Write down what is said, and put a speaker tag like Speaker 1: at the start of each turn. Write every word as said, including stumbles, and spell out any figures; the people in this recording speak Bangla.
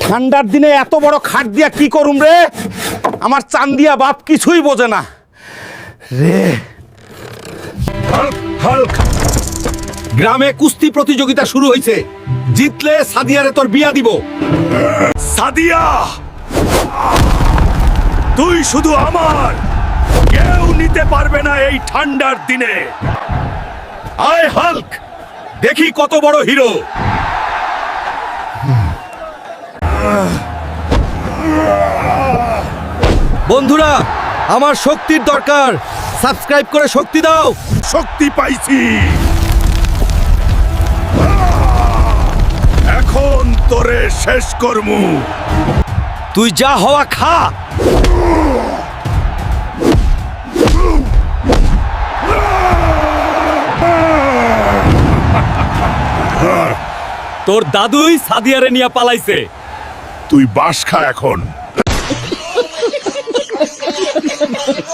Speaker 1: ঠান্ডার দিনে এত বড় খাট দিয়া কি করুম রে? আমার চান্দিয়া বাপ কিছুই বোঝে না রে। Hulk, Hulk. গ্রামে কুস্তি প্রতিযোগিতা শুরু হয়েছে, জিতলে সাদিয়ারে তোর বিয়া দিব।
Speaker 2: সাদিয়া, তুই শুধু আমার, কেউ নিতে পারবে না এই ঠান্ডার দিনে। আয় হাল্ক, দেখি কত বড় হিরো।
Speaker 1: বন্ধুরা, আমার শক্তির দরকার, সাবস্ক্রাইব করে শক্তি দাও।
Speaker 2: শক্তি পাইছি, এখন তোরে শেষ করমু।
Speaker 1: তুই যা হওয়া খা।
Speaker 3: তোর দাদুই সাদিয়ারে নিয়ে পালাইছে।
Speaker 2: তুই বাস খা এখন।